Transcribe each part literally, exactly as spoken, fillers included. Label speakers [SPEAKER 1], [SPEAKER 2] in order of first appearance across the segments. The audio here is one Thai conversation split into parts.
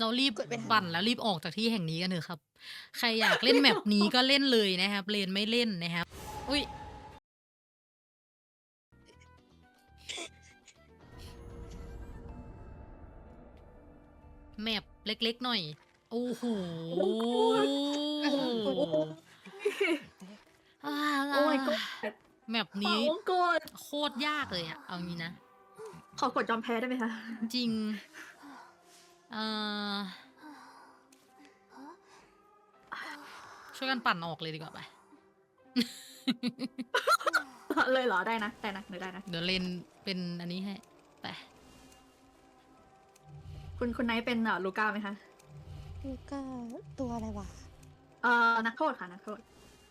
[SPEAKER 1] เรารีบ
[SPEAKER 2] กดไปท
[SPEAKER 1] ปั่นแล้วรีบออกจากที่แห่งนี้กันเถอะครับ ใครอยากเล่นแมปนี้ก็เล่นเลยนะครับเลนไม่เล่นนะครับอุ้ยแมปเล็กๆหน่อยโอ้โห อ่า
[SPEAKER 3] โอ้ยก็
[SPEAKER 1] แมป
[SPEAKER 3] ขอ
[SPEAKER 1] นี้
[SPEAKER 3] วงกด
[SPEAKER 1] โคตรยากเลยอะเอางี้นะ
[SPEAKER 3] ขอกดยอมแพ้ได้ไหมคะ
[SPEAKER 1] จริงเอ่อช่วยกันปั่นออกเลยดีกว่าไป
[SPEAKER 3] เลยเหรอได้นะได้นะได้นะ
[SPEAKER 1] เดี๋ยวเลนเป็นอันนี้ให้ไป
[SPEAKER 3] คุณคุณไนท์เป็นเอ่อลูก้าไหมคะ
[SPEAKER 2] ลูก้าตัวอะไรวะ
[SPEAKER 3] เอ่อนักโทษค่ะนักโทษ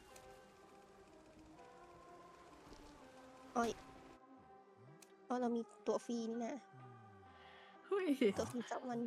[SPEAKER 2] อ้อยอ๋อเรามีตัวฟรีนี่นะ
[SPEAKER 3] เฮ้ย
[SPEAKER 2] ตัวฟรีสักวัน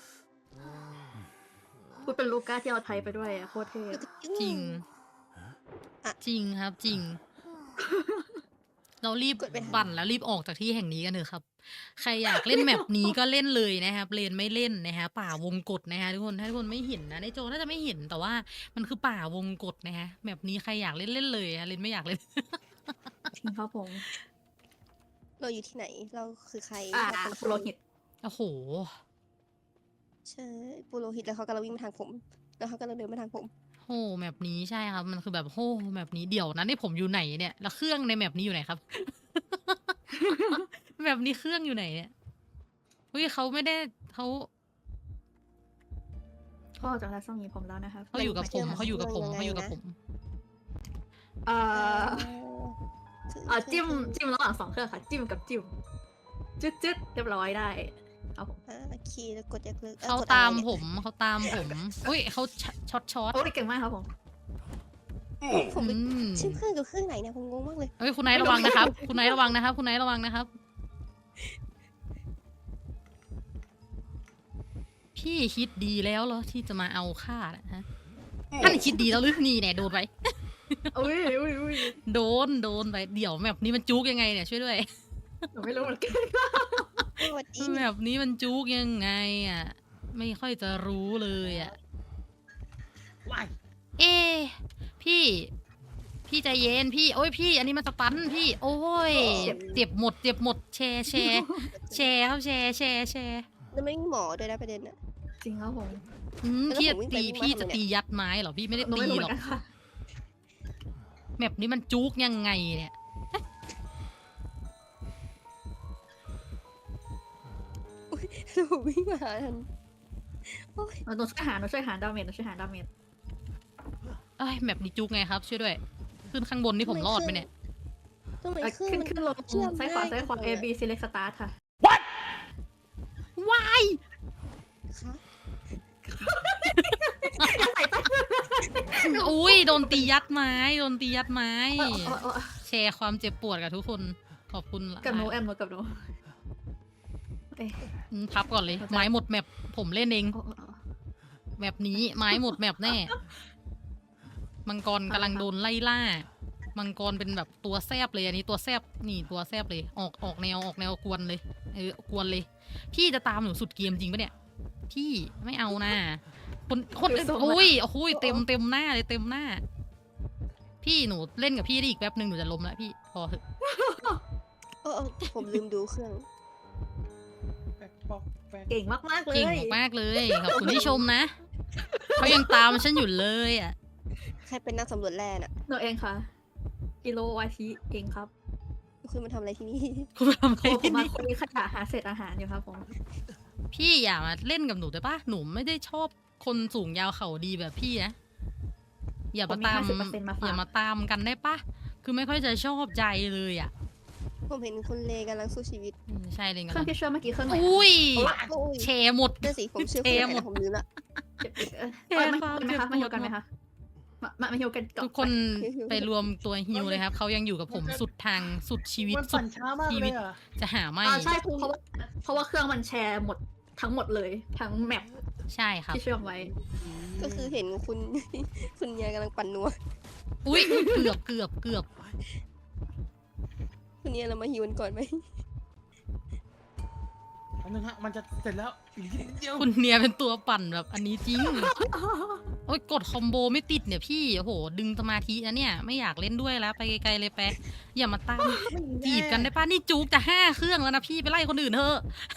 [SPEAKER 3] พูดเป็นลูก้าที่เอาไทยไปด้วยอะโคตรเท่
[SPEAKER 1] จริง จริงครับจริง เรารีบ
[SPEAKER 2] กดไปทำ
[SPEAKER 1] ปั่นแล้วรีบออกจากที่แห่งนี้กันเถอะครับ ใครอยากเล่นแมปนี้ก็เล่นเลยนะครับเลนไม่เล่นนะฮะป่าวงกฏนะฮะทุกคนถ้าทุกคนไม่เห็นนะในโจน่าจะไม่เห็นแต่ว่ามันคือป่าวงกฏนะฮะแมปนี้ใครอยากเล่นเล่นเลยฮะเลนไม่อยากเล่น
[SPEAKER 3] จริงครับผม
[SPEAKER 2] เราอยู่ที่ไหน เราคือใคร
[SPEAKER 3] อ่า
[SPEAKER 2] เราเป็นใค
[SPEAKER 3] โปรหิต
[SPEAKER 1] โอ้โห
[SPEAKER 2] ใช่ปุโรหิตแล้วเขากำลังวิ่งมาทางผม แล้วเขากำลังเดินมาทางผม
[SPEAKER 1] โหแมปนี้ใช่ครับ มันคือแบบโหแมปนี้เดี๋ยวนะนี่ผมอยู่ไหนเนี่ย แล้วเครื่องในแมปนี้อยู่ไหนครับ แมปนี้เครื่องอยู่ไหนเนี่ยอุ้ยเขาไม่ได้เขา
[SPEAKER 3] พ่อจากทัศน์มีผมแล้วนะครับ
[SPEAKER 1] เขาอยู่กับผมเขาอยู่กับผมเขาอยู่กับผม
[SPEAKER 3] เอ่อ
[SPEAKER 2] คือ
[SPEAKER 3] เอ่อจิ้มจิ้มระหว่างสองเครื่องค่ะ จิ้มกับจิ้มจึ๊ดจึ๊ดเรียบร้อยได้เอาผม
[SPEAKER 2] อ่าคีย์แล้วกดยกเลิกอ่อ
[SPEAKER 1] เขา
[SPEAKER 2] กดอะไร
[SPEAKER 1] ตาม
[SPEAKER 2] เนี่ย
[SPEAKER 1] ผมเขาตามผมอุ้ยเขาช็อตช็อต
[SPEAKER 3] โอ้ยเก่งมากครับผม
[SPEAKER 2] ผม
[SPEAKER 1] อืม
[SPEAKER 2] ชื่อเครื่องกับเครื่องไหนเนี่ยผมงงมากเลย
[SPEAKER 1] เฮ้ยคุณไนท์ระวังนะครับ คุณไนท์ระวังนะครับ คุณไนท์ระวังนะครับ พี่คิดดีแล้วเหรอที่จะมาเอาค่านะฮะท่านคิดดีแล้วหรือนี่เนี่ยโดนไป
[SPEAKER 3] อุ้ยอุ้ยอุ้ย
[SPEAKER 1] โดนโดนไปเดี๋ยวแมปนี้มันจุกยังไงเนี่ยช่วยด้วย
[SPEAKER 3] หนูไม่รู้เหมือนกัน
[SPEAKER 2] สวัสดี
[SPEAKER 1] แมปนี้มันจุกยังไงอ่ะไม่ค่อยจะรู้เลยอ่ะ
[SPEAKER 3] ว้าย
[SPEAKER 1] เอ๊ะพี่ พี่ใจเย็นพี่ โอ้ยพี่ อันนี้มันสตันพี่ โอ้ยเจ็บหมดเจ็บหมดแชร์แชร์แชร์ครับแชร์แชร์แชร์
[SPEAKER 2] แล้วไม่มีหมอด้วยนะประเด็นน่ะ
[SPEAKER 3] จริงครับผม
[SPEAKER 1] อืม
[SPEAKER 2] แล้ว
[SPEAKER 1] พี่
[SPEAKER 2] ผ
[SPEAKER 1] จะ
[SPEAKER 2] มวิ่งไป
[SPEAKER 1] ตี
[SPEAKER 2] วิ่งมา
[SPEAKER 1] พี่
[SPEAKER 2] ทำไม
[SPEAKER 1] จะ
[SPEAKER 2] เนี่ย
[SPEAKER 1] ตียัดไม้เหรอพี่ไม่ได้
[SPEAKER 3] หนู
[SPEAKER 1] ตี
[SPEAKER 3] ไม่รู้
[SPEAKER 1] ห
[SPEAKER 3] เห
[SPEAKER 1] ร
[SPEAKER 3] มื
[SPEAKER 1] อ
[SPEAKER 3] อก นกันค่ะ
[SPEAKER 1] แมปนี้มันจุกยังไงเนี่ย
[SPEAKER 2] แล้วผมวิ่งมาหาทันโอ้ย
[SPEAKER 3] หนูช่วยหาหนูช่วยหาดาเมจหนูช่วยหาดาเมจ
[SPEAKER 1] เอ้ยแมปนี้จุกไงครับช่วยด้วย ขึ้นข้างบนนี่ผมรอดไหมเนี่ย
[SPEAKER 2] ทำไม
[SPEAKER 3] เอ่อ
[SPEAKER 2] เครื่อง
[SPEAKER 3] ขึ้น
[SPEAKER 2] มัน
[SPEAKER 3] ขึ้นลง
[SPEAKER 2] เชื่อม
[SPEAKER 3] ซ้ายขวา
[SPEAKER 2] ง่
[SPEAKER 3] ซ้ายขวา
[SPEAKER 2] จัง
[SPEAKER 3] A
[SPEAKER 2] เลย
[SPEAKER 3] B select start ค่ะ
[SPEAKER 1] ว้าย
[SPEAKER 2] คะ
[SPEAKER 1] อุ้ยโดนตียัดไม้โดนตียัดไม้
[SPEAKER 3] เออเออเออ
[SPEAKER 1] แชร์ความเจ็บปวดกับทุกคนขอบคุณ
[SPEAKER 3] กับหนูแอมหนูกับหนูเอ๊ะ
[SPEAKER 1] อืมพับก่อนเลย ไม้หมดแมปผมเล่นเอง
[SPEAKER 3] โอ้โอ้โอ้
[SPEAKER 1] แมปนี้ไม้หมดแมปแน่ มังกรกำลังโดนไล่ล่า มังกรเป็นแบบตัวแซบเลยอันนี้ตัวแซบนี่ตัวแซบเลย ออกออกแนวออกแนวกวนเลยเออกวนเลย พี่จะตามหนูสุดเกมจริงปะเนี่ย พี่ไม่เอานะคนคนอุ้ยโอ้ยเต็มเต็มหน้าเลยเต็มหน้า พี่หนูเล่นกับพี่ได้อีกแป๊บหนึ่งหนูจะล้มแล้วพี่พอเถอะ
[SPEAKER 2] เออเออผมลืมดูเครื่อง
[SPEAKER 3] เก่งมากมากๆเลย
[SPEAKER 1] เก่งมากๆเลยขอบคุณที่ชมนะเขายังตามฉันอยู่เลยอ่ะ
[SPEAKER 2] ใครเป็นนักสำรวจแร่น่ะ
[SPEAKER 3] หนูเองค่ะกิโลวาชิเองครับ
[SPEAKER 2] คุณมาทำอะไรที่นี่
[SPEAKER 1] คุณทำอะไร
[SPEAKER 3] โอ้ผ
[SPEAKER 1] ที่
[SPEAKER 3] มมา
[SPEAKER 1] นี่
[SPEAKER 3] คุยขยะหาเศษอาหารอยู่ครับผม
[SPEAKER 1] พี่อย่ามาเล่นกับหนูได้ปะหนูไม่ได้ชอบคนสูงยาวเข่าดีแบบพี่นะอย่ามาตาม
[SPEAKER 3] ผมมี ห้าสิบเปอร์เซ็นต์มาฝาก
[SPEAKER 1] อย่ามาตามกันได้ปะคือไม่ค่อยจะชอบใจเลยอ่ะ
[SPEAKER 2] ผมเห็นคุณเลกำลังสู้ชีวิต
[SPEAKER 1] อืมใช่เลย
[SPEAKER 3] เค
[SPEAKER 1] กั
[SPEAKER 3] รื่อง
[SPEAKER 1] น
[SPEAKER 3] ที่เชื่อมเมื่อกี้เครื่องไหน
[SPEAKER 1] อุ้ย
[SPEAKER 2] โอ้ย
[SPEAKER 1] แชร์หมด
[SPEAKER 2] นั่นสิผมเชื่อ
[SPEAKER 1] เท
[SPEAKER 2] คุณ
[SPEAKER 1] หม
[SPEAKER 2] แต่
[SPEAKER 1] ด
[SPEAKER 2] ผมลืมละ
[SPEAKER 3] เจ็บอีกเออ
[SPEAKER 1] เจ็บ
[SPEAKER 3] เออมา
[SPEAKER 1] ความ
[SPEAKER 3] ฮิวกันไหมคะ
[SPEAKER 1] เจ็บปวด
[SPEAKER 3] มาฮิวกันไหมคะมามามาฮิวกันก่อน
[SPEAKER 1] ทุกคนไปรวมตัวฮิวเลยครับเขายังอยู่กับผมสุดทางสุดชีวิต
[SPEAKER 4] มัน
[SPEAKER 1] สุ
[SPEAKER 4] ปั่
[SPEAKER 1] ด
[SPEAKER 4] นช้ามาก
[SPEAKER 1] ชี
[SPEAKER 4] เล
[SPEAKER 1] วิต
[SPEAKER 4] ยอ่ะ
[SPEAKER 1] จะหาไม่
[SPEAKER 3] อ่าใช่เพราะว่าเพราะว่าเครื่องมันแชร์หมดทั้งหมดเลยทั้งแมป
[SPEAKER 1] ใช่ครับ
[SPEAKER 3] ที่เชื่อมไว้
[SPEAKER 2] ก็คือเห็นคุณ คุณยายกำลังปั่นนัว
[SPEAKER 1] อุ้ยเกือบเกือบเกือบ
[SPEAKER 2] คุณยายเรามาฮิวกันก่อนไหม
[SPEAKER 4] อันนึงฮะ มันจะเสร็จแล้วนิดเดียว
[SPEAKER 1] คุณเนียเป็นตัวปั่นแบบอันนี้จริง โอ้ยกดคอมโบไม่ติดเนี่ยพี่โอ้โหดึงสมาธินะเนี่ยไม่อยากเล่นด้วยแล้วไปไกลๆเลยแปะอย่ามาตามจีบกันได้ป่ะนี่จุกจะห้าเครื่องแล้วนะพี่ไปไล่คนอื่นเถอะ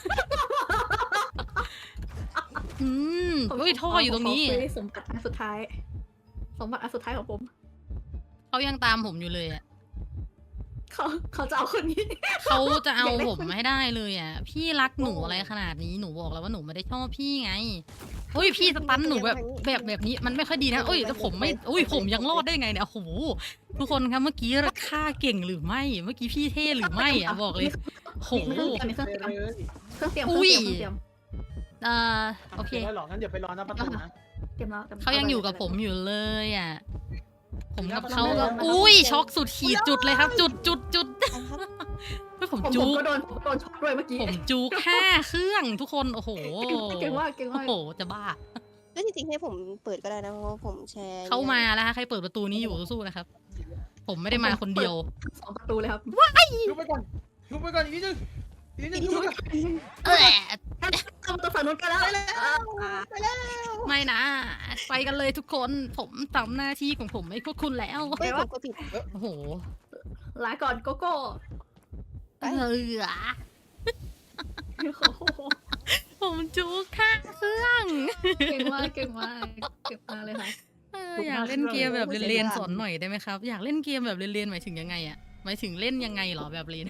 [SPEAKER 1] อืมเฮ้ยท่ออยู่ตรงนี้
[SPEAKER 3] ผมขอคุยสมบัติอันสุดท้าย สมบัติอันสุดท้ายของผม
[SPEAKER 1] เขายังตามผมอยู่เลยอ่ะ
[SPEAKER 3] เขาเขาจะเอาคนนี้
[SPEAKER 1] เขาจะเอา
[SPEAKER 3] อยากได้
[SPEAKER 1] ผม
[SPEAKER 3] คน
[SPEAKER 1] ให้ได้เลยอ่ะ พี่รักหนูอะไรขนาดนี้หนูบอกแล้วว่าหนูไม่ได้ชอบพี่ไงโอ้ยพี่สตันหนูแบบแบบแบบนี้มันไม่ค่อยดีนะเอ้ยแต่ผมไม่อุ้ยผมยังรอดได้ไงเนี่ยโอ้โหทุกคนครับเมื่อกี้ฆ่าเก่งหรือไม่ เมื่อกี้พี่เท่หรือไม่อ่ะบอกเลยโห
[SPEAKER 3] มีเครื่องเตรียมมีเครื่องเตรียม
[SPEAKER 4] เลย
[SPEAKER 3] เครื่องเตรียม
[SPEAKER 1] อุ้
[SPEAKER 3] เค
[SPEAKER 1] ย
[SPEAKER 3] รื่องเตรียม
[SPEAKER 1] เอ่อโอเค
[SPEAKER 4] ดี๋ยวไม่หรอกงั้นเดี๋ยวไปรอหน้าประตูนะ
[SPEAKER 3] เครื่องเตรียมแล้วตรีมแล้ว
[SPEAKER 1] เขายังอยู่กับผมอยู่เลยอ่ะผมกับเขา
[SPEAKER 4] เอา
[SPEAKER 1] ก็
[SPEAKER 4] เอา
[SPEAKER 1] อุ้ยช็อกสุดขีดจุดเลยครับ จุดจุดจุด
[SPEAKER 2] อันครับ
[SPEAKER 1] เฮ้ยผม
[SPEAKER 3] ผม
[SPEAKER 1] จุ
[SPEAKER 3] ผม
[SPEAKER 1] ก
[SPEAKER 3] ก็โดนผมก็โดนช็อตด้วยเมื่อกี้
[SPEAKER 1] ผมจุกห้าเครื่องทุกคนโอ้โห
[SPEAKER 3] เก่งมากเก่ง
[SPEAKER 1] โอ้
[SPEAKER 3] มาก
[SPEAKER 1] โหจะบ้า
[SPEAKER 2] แล้วจริงๆให้ผมเปิดก็ได้นะเพราะว่าผมแชร์
[SPEAKER 1] เข้ามาแล้วฮะใครเปิดประตูนี้อยู่สู้ๆนะครับ ผมไม่ได้มาคนเดียว
[SPEAKER 3] สองประตูเลยครับ
[SPEAKER 4] ยุบไปก่อนยุบไปก่อนอีกนิดนึงอีกนิดนึงยุบไปก่อน
[SPEAKER 1] เออ
[SPEAKER 3] เข้าประตูฝั่งนู้นกันแล้ว
[SPEAKER 2] ไปแล้วไปแล้ว
[SPEAKER 1] ไม่นะ ไปกันเลยทุกคน ผมทำหน้าที่ของผมให้พวกคุณแล้ว
[SPEAKER 2] เฮ้ยผมก็ผิด
[SPEAKER 1] โอ้โห
[SPEAKER 3] ลาก่อนโกโก้
[SPEAKER 2] ไป
[SPEAKER 1] เออ
[SPEAKER 3] โอ้โห
[SPEAKER 1] ผมจุกห้าเครื่อง
[SPEAKER 3] เก่งมากเก่งมากเก่งมากเลยค่ะ
[SPEAKER 1] เอออยากเล่นเกมแบบเรียนๆสอนหน่อยได้ไหมครับ อยากเล่นเกมแบบเรียนๆหมายถึงยังไงอะหมายถึงเล่นยังไงเหรอแบบเรียน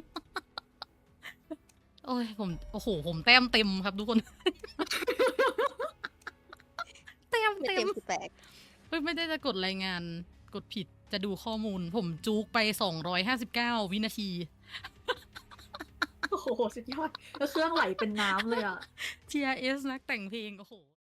[SPEAKER 1] โอ้ยผมโอ้โหผมแต้มเต็มครับทุกคน แต้ม
[SPEAKER 2] ไม่
[SPEAKER 1] เต็
[SPEAKER 2] เต็
[SPEAKER 1] ม
[SPEAKER 2] มคือแปลก
[SPEAKER 1] เฮ้ยไม่ได้จะกดรายงานกดผิดจะดูข้อมูล ผมจุกไปสองร้อยห้าสิบเก้าวินาที
[SPEAKER 3] โอ้โหสุดยอดแล้วเครื่องไหลเป็นน้ำเลยอ่ะ
[SPEAKER 1] ที อาร์ เอส นักแต่งเพลงโอ้โห